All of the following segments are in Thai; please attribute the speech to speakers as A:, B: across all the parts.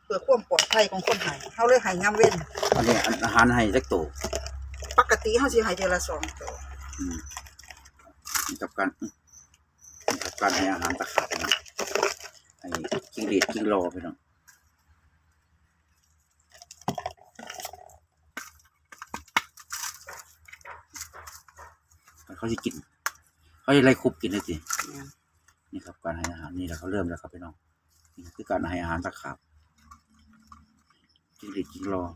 A: เพื่อความปลอดภัยของคนให้เฮาเลยให้ยามเว้น
B: อันนี้อาหารให้จักโต
A: ปกติเฮาสิให้เดือนละ2ตัว
B: กับการให้อาหารตะขาบนะให้จิ้งหรีดจิ้งโลไปเนาะเขาจะกินเขาจะไล่คุบกินเลยสินี่ครับการให้อาหารนี่แหละเขาเริ่มแล้วครับพี่น้องนี่คือการให้อาหารตะขาบจิ้งหรีดจิ้งโล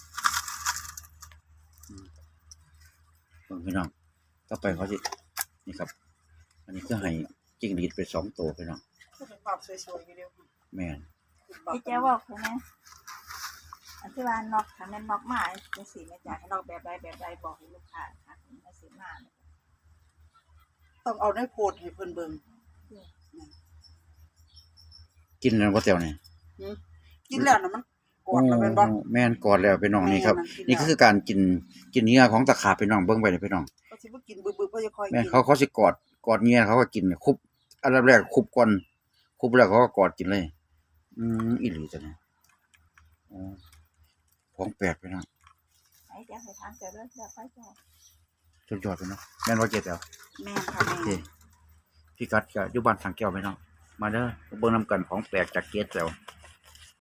B: พี่น้องต่อไปเขาจะนี่ครับอันนี้ก็ให้จิ้งหรีดไป2 ตัวพี่น้อง
A: เป็นภาพสวยๆอยู่เดียว
B: แม่น
C: พี่เจ้าบอกใช่ไหมอธิบายนอกทำแม่นอกมาเป็นสีแม่จ่ายให้นอกแบบใดบอกให้ลูกค้าค่ะให้สีมา
A: ต้องเอาในโพดให้เพิ่นเบิ่ง
B: กินแล้วบ่เตียวนี่
A: กินแล้วน่ะมันกอดแล้วแม่นบ่
B: แม่นกอดแล้วพี่น้องนี่ครับนี่คือการกินเหงื่อของตะขาบพี่น้องเบิ่งไปเลยพี่น้อง
A: เขาสิบ่กินบึบๆเขาจะค่อยกิน
B: แม่นเขาสิกอดเหงื่อเขาก็กินคุบอันดับแรกคุบก่อนคุบแล้วเขาก็กอดกินเลยอีหลีจังของแปลกพี่น้อง
C: ไอ้เจ้าให้ทานเสร็จแล้วเดี๋ยวค่อยจอด
B: สุดยอดพี่น้องแม่นว่าเก็ดแล้ว
A: แม่นค่ะแม่
B: พี่กัดก็อยู่บ้านสังแก้วพี่น้องมาเด้อเบิ่งนำกันของแปลกจากเก็ดแล้ว